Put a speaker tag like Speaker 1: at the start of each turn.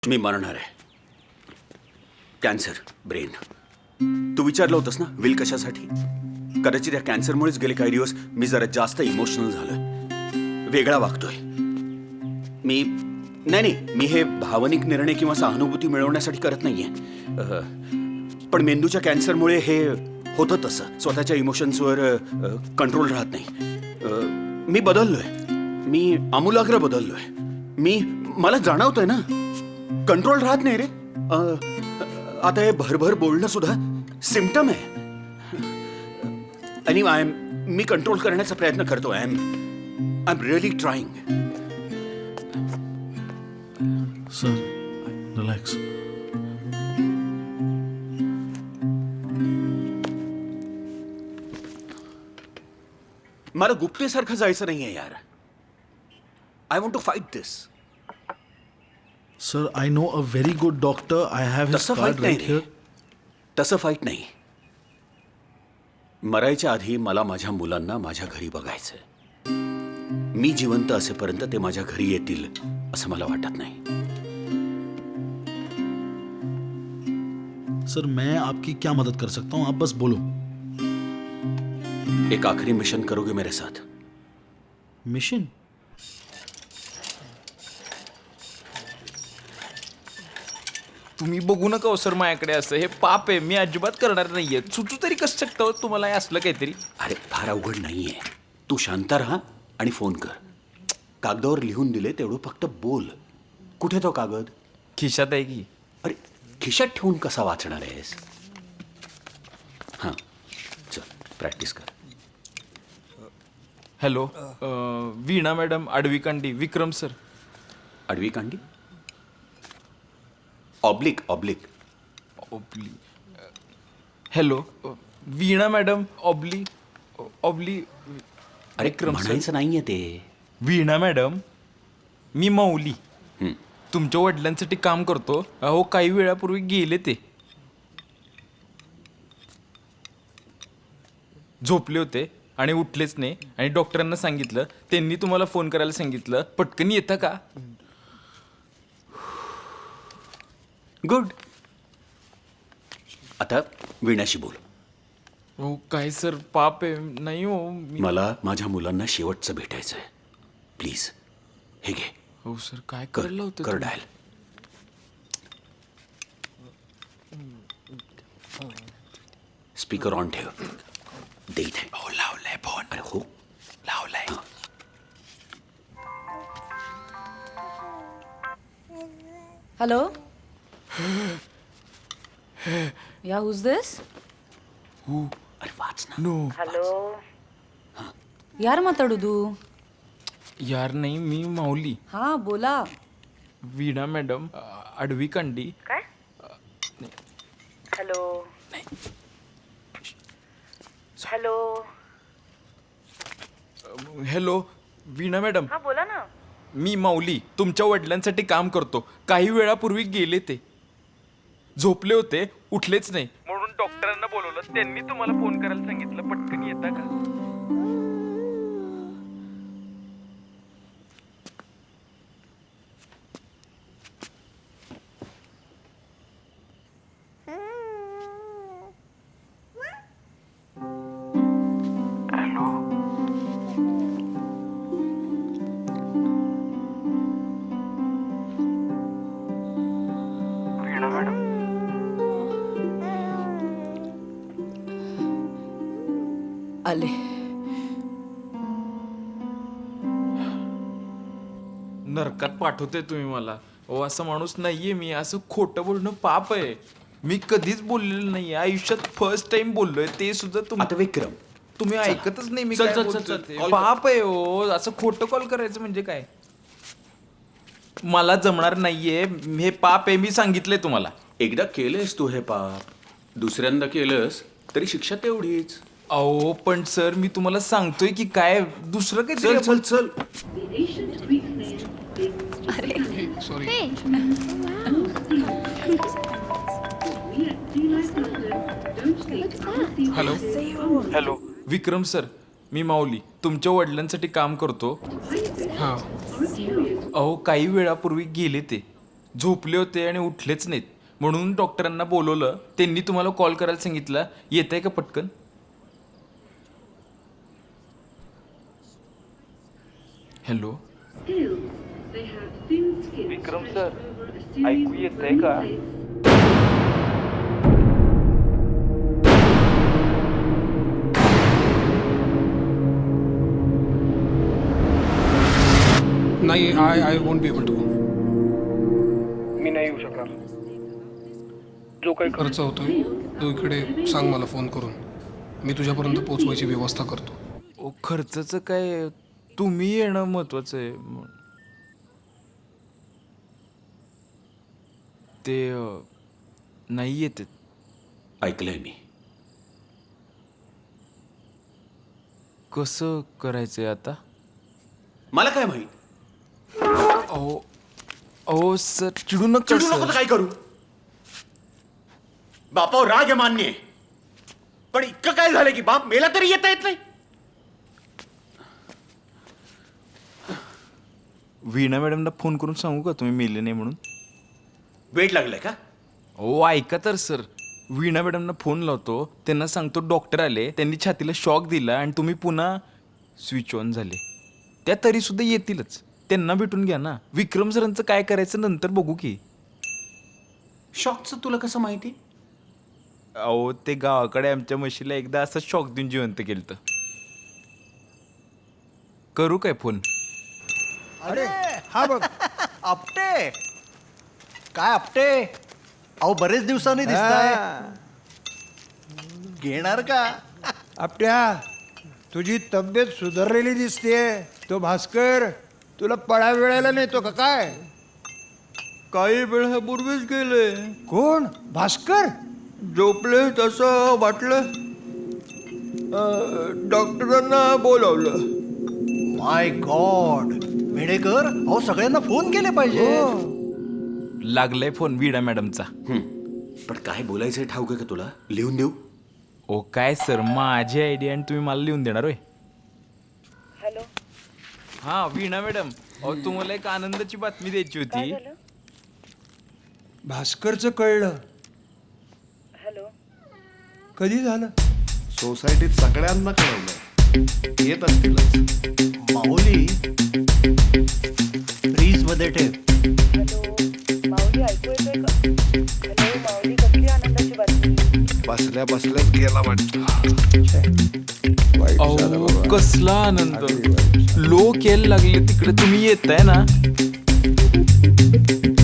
Speaker 1: मी मरणार आहे. Cancer, brain. तू विचारलं होतंस ना विल कशासाठी? कदाचित या कॅन्सरमुळेच गेले काही दिवस मी जरा जास्त इमोशनल झालोय, वेगळा वागतोय. मी हे भावनिक निर्णय किंवा सहानुभूती मिळवण्यासाठी करत नाहीये. पण मेंदूच्या कॅन्सरमुळे हे होतं तसं. स्वतःच्या इमोशन्सवर कंट्रोल राहत नाही. मी बदललोय, मी आमूलाग्र बदललोय. मला जाणवतंय ना, कंट्रोल राहत नाही रे. आता हे भरभर बोलणं सुद्धा सिम्पटम आहे. आणि मी कंट्रोल करण्याचा प्रयत्न करतो. I am really trying.
Speaker 2: Sir, relax.
Speaker 1: मला गुप्तेसारखं जायचं नाहीये यार. I want to fight this.
Speaker 2: Sir, I know a very good doctor. I have his
Speaker 1: तसं
Speaker 2: card
Speaker 1: फाईट नाही
Speaker 2: right
Speaker 1: रे.
Speaker 2: here.
Speaker 1: तसं फाईट नाही. मरायच्या आधी मला माझ्या मुलांना माझ्या घरी बघायचंय. मी जिवंत असेपर्यंत ते माझ्या घरी येतील असं मला वाटत नाही.
Speaker 2: सर, मैं आपकी क्या मदद कर सकता हूँ? आप बस बोलो.
Speaker 1: एक आखिरी मिशन करोगे मेरे साथ?
Speaker 2: मिशन?
Speaker 3: तुम्ही बघू नका हो सर माझ्याकडे. असं हे पाप आहे, मी अजिबात करणार नाहीये. सुचू तरी कसं शकतं हो तुम्हाला हे असलं काहीतरी?
Speaker 1: अरे फार अवघड नाहीये. तू शांत राहा आणि फोन कर. कागदावर लिहून दिले तेवढं फक्त बोल. कुठे तो कागद?
Speaker 3: खिशात आहे की.
Speaker 1: अरे खिशात ठेवून कसा वाचणार आहेस? हां, चल प्रॅक्टिस कर.
Speaker 3: हॅलो, वीणा मॅडम, आडवीकांडी, विक्रम सर.
Speaker 1: आडवी कांडी? Oblique.
Speaker 3: Oblique. Hello, Veena madam, oblique.
Speaker 1: अरे
Speaker 3: विक्रम सर.
Speaker 1: म्हणायचं नाहीये ते.
Speaker 3: वीणा मॅडम, मी माऊली. तुमच्या वडिलांसाठी काम करतो. अहो काही वेळापूर्वी गेले ते. झोपले होते आणि उठलेच नाही. आणि डॉक्टरांना सांगितलं, त्यांनी तुम्हाला फोन करायला सांगितलं. पटकन येता का?
Speaker 1: गुड. आता वीणाशी बोल.
Speaker 3: हो काय सर, पाप आहे. नाही हो
Speaker 1: मला माझ्या मुलांना शेवटचं भेटायचं आहे. प्लीज हे घे.
Speaker 3: हो सर, काय
Speaker 1: कर
Speaker 3: करायला होतं
Speaker 1: कर
Speaker 3: तुम्ही?
Speaker 1: डायल. स्पीकर ऑन ठेव. दे इथे.
Speaker 3: हो लावलाय फोन.
Speaker 1: अरे हो
Speaker 3: लावलाय.
Speaker 4: Hello? Yeah, who's this?
Speaker 1: अरे वाच ना.
Speaker 3: नो
Speaker 4: यार माताडुदू.
Speaker 3: यार नाही, मी माऊली.
Speaker 4: हा बोला.
Speaker 3: वीणा मॅडम, आडवीकांडी.
Speaker 5: काय? Hello hello.
Speaker 3: Hello Veena madam,
Speaker 5: हा बोला ना.
Speaker 3: मी माऊली तुमच्या वडिलांसाठी काम करतो. काही वेळापूर्वी गेले ते. झोपले होते, उठलेच नाही. म्हणून डॉक्टरांना बोलवलं. त्यांनी तुम्हाला फोन करायला सांगितलं. पटकन येता का?
Speaker 4: आले.
Speaker 3: नरकात पाठवते तुम्ही मला. हो असा माणूस नाहीये मी. असं खोटं बोलणं पाप आहे. मी कधीच बोललेलं नाहीये. आयुष्यात फर्स्ट टाइम बोललोय, ते सुद्धा
Speaker 1: आता विक्रम,
Speaker 3: तुम्ही ऐकतच नाही. मी
Speaker 1: चल,
Speaker 3: काय
Speaker 1: चल, चल,
Speaker 3: बोलतोय
Speaker 1: चल.
Speaker 3: ते.
Speaker 1: कॉल कर.
Speaker 3: पाप आहे हो. असं खोटं कॉल करायचं म्हणजे काय? मला जमणार नाहीये. हे पाप आहे, मी सांगितलंय तुम्हाला.
Speaker 1: एकदा केलंस तू हे पाप, दुसऱ्यांदा केलंस तरी शिक्षा तेवढीच.
Speaker 3: अहो पण सर, मी तुम्हाला सांगतोय की काय दुसरं
Speaker 1: चल
Speaker 3: काही.
Speaker 1: चल चल. हॅलो विक्रम सर, मी माऊली तुमच्या वडिलांसाठी काम करतो. अहो काही वेळापूर्वी गेले ते.
Speaker 3: झोपले होते आणि उठलेच नाहीत. म्हणून डॉक्टरांना बोलवलं. त्यांनी तुम्हाला कॉल करायला सांगितलं. येत आहे का पटकन? हॅलो विक्रम सर, ऐकू येत आहे का?
Speaker 5: नाही, I won't be able to.
Speaker 6: मी नाही येऊ शकणार. जो काही
Speaker 5: खर्च होतोय तो इकडे सांग मला फोन करून, मी तुझ्यापर्यंत पोहोचवायची व्यवस्था करतो.
Speaker 3: ओ खर्चाचं काय, तुम्ही येणं महत्वाचं आहे. ते नाही येते.
Speaker 1: ऐकलंय मी.
Speaker 3: कसं करायचंय आता?
Speaker 1: मला काय माहित.
Speaker 3: अहो अहो सर, चिडू नका
Speaker 1: चिडू नको तर
Speaker 3: सर.
Speaker 1: काय करू. बापावर राग आहे मान्य आहे, पण इतकं काय झालं की बाप मेला तरी येता येत नाही.
Speaker 3: वीणा मॅडमला फोन करून सांगू का तुम्ही मेले नाही म्हणून?
Speaker 1: वेट लागलाय का?
Speaker 3: हो ऐका तर सर, वीणा मॅडमना फोन लावतो, त्यांना सांगतो डॉक्टर आले, त्यांनी छातीला शॉक दिला आणि तुम्ही पुन्हा स्विच ऑन झाले. त्या तरी सुद्धा येतीलच. त्यांना भेटून घ्या ना. विक्रम सरांचं काय करायचं नंतर बघू की.
Speaker 1: शॉकचं तुला कसं माहिती?
Speaker 3: अहो ते गावाकडे आमच्या म्हशीला एकदा असं शॉक देऊन जिवंत केलं. करू काय फोन?
Speaker 7: अरे हा बघ आपटे. काय आपटे, अहो बरेच दिवसांनी दिसताय. घेणार का?
Speaker 8: आपट्या, तुझी तब्येत सुधारलेली दिसतेय. तो भास्कर तुला पळा वेळायला नेतो का काय?
Speaker 3: काही वेळापूर्वीच गेले.
Speaker 8: कोण? भास्कर?
Speaker 3: झोपले तसं वाटलं, डॉक्टरांना बोलावलं.
Speaker 7: माय गॉड मेडेकर, अहो सगळ्यांना फोन केले पाहिजे.
Speaker 3: लागलाय फोन वीणा मॅडमचा.
Speaker 1: पण काय बोलायचंय ठाऊक आहे का तुला? लिहून देऊ?
Speaker 3: ओ काय सर, माझी आयडिया आणि तुम्ही मला लिहून देणार होय?
Speaker 9: हॅलो.
Speaker 3: हा वीणा मॅडम, अहो तुम्हाला एक आनंदाची बातमी द्यायची होती.
Speaker 8: भास्करचं कळलं?
Speaker 9: हॅलो.
Speaker 8: कधी झालं?
Speaker 10: सोसायटीत सगळ्यांना कळवलंय, येत असतीलच.
Speaker 7: माऊली फ्रीज मध्ये ठेव.
Speaker 9: हॅलो माऊली, ऐकू येतोय का? हॅलो माऊली, कसली आनंदाची बातमी?
Speaker 10: बसल्या बसल्याच गेला वाटतं.
Speaker 3: अहो कसला आनंद. लोक यायला लागले तिकडे, तुम्ही येताय ना?